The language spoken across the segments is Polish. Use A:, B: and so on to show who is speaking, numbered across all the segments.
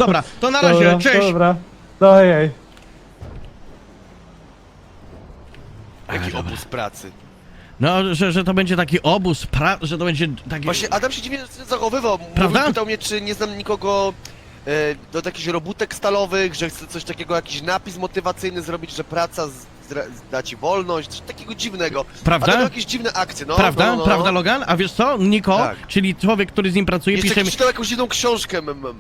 A: Dobra, to na razie,
B: Dobra,
A: cześć!
B: Dobra, dojej.
C: Jaki obóz pracy.
A: No, że to będzie taki obóz, że to będzie taki...
C: Właśnie Adam się dziwnie zachowywał.
A: Prawda?
C: Mówił, pytał mnie, czy nie znam nikogo do jakichś robótek stalowych, że chce coś takiego, jakiś napis motywacyjny zrobić, że praca da ci wolność, coś takiego dziwnego.
A: Prawda?
C: A to miał jakieś dziwne akcje, no.
A: Prawda?
C: No.
A: Prawda, Logan? A wiesz co? Niko,
C: Tak.
A: czyli człowiek, który z nim pracuje,
C: Jeszcze
A: pisze mi...
C: czytał jakąś jedną książkę,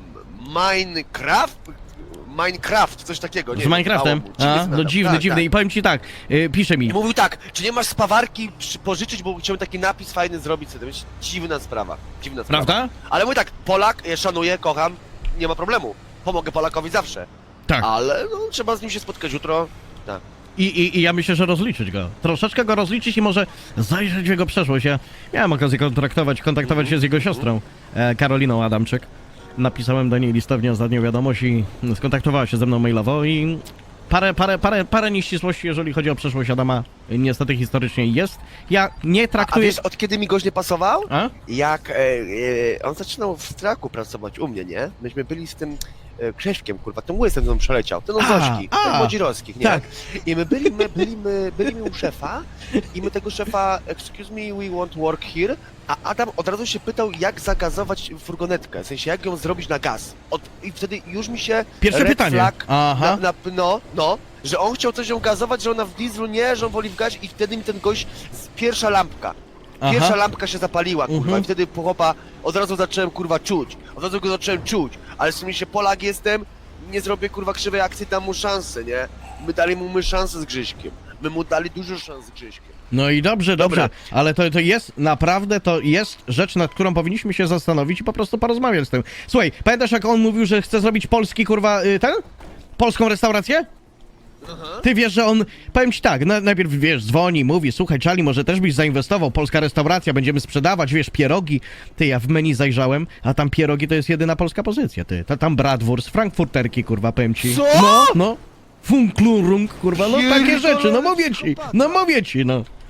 C: Minecraft, coś takiego, nie
A: Z
C: wiem,
A: Minecraftem?
C: dało mu. Dziwny
A: A, no
C: znam.
A: dziwny,
C: Tak,
A: dziwny.
C: tak.
A: I powiem ci tak, pisze mi...
C: I mówił tak, czy nie masz spawarki pożyczyć, bo chciałem taki napis fajny zrobić sobie. To jest dziwna sprawa, dziwna sprawa.
A: Prawda?
C: Ale mój tak, Polak, ja szanuję, kocham, nie ma problemu. Pomogę Polakowi zawsze.
A: Tak.
C: Ale no, trzeba z nim się spotkać jutro. Tak.
A: I ja myślę, że rozliczyć go. Troszeczkę go rozliczyć i może zajrzeć w jego przeszłość. Ja miałem okazję kontaktować się z jego siostrą, Karoliną Adamczyk. Napisałem do niej listownie ostatnią wiadomość i skontaktowała się ze mną mailowo i parę nieścisłości, jeżeli chodzi o przeszłość Adama, niestety historycznie jest. Ja nie
C: A
A: traktuję...
C: wiesz, od kiedy mi gość nie pasował?
A: A?
C: Jak on zaczynał w Straku pracować u mnie, nie? Myśmy byli z tym Krześkiem, kurwa, ten łysem tam przeleciał, ten Ozośki, ten Młodzirowskich, nie?
A: Tak.
C: I my byli u szefa i my tego szefa, excuse me, we want work here, a Adam od razu się pytał, jak zagazować furgonetkę, w sensie, jak ją zrobić na gaz. I wtedy już mi się
A: Pierwsze
C: red
A: pytanie.
C: flag
A: Aha.
C: no, że on chciał coś ją gazować, że ona w dieslu nie, że on woli w gazie i wtedy mi ten gość, pierwsza lampka. Pierwsza
A: Aha.
C: lampka się zapaliła, kurwa,
A: Mhm.
C: i wtedy po chłopa od razu zacząłem, kurwa, czuć. Od razu go zacząłem czuć, ale w sumie się Polak jestem, nie zrobię, kurwa, krzywej akcji, dam mu szansę, nie? My dali mu szansę z Grzyśkiem. My mu dali dużo szans z Grzyśkiem.
A: No i dobrze,
C: Dobra.
A: ale to jest, naprawdę, to jest rzecz, nad którą powinniśmy się zastanowić i po prostu porozmawiać z tym. Słuchaj, pamiętasz jak on mówił, że chce zrobić polski, kurwa, polską restaurację? Ty wiesz, że on, powiem ci tak, najpierw, wiesz, dzwoni, mówi, słuchaj, Charlie, może też byś zainwestował, polska restauracja, będziemy sprzedawać, wiesz, pierogi. Ty, ja w menu zajrzałem, a tam pierogi to jest jedyna polska pozycja, ty. Tam bratwurst, frankfurterki, kurwa, powiem ci.
C: Co?
A: No. Funklurung, kurwa, no takie rzeczy, no mówię ci, no.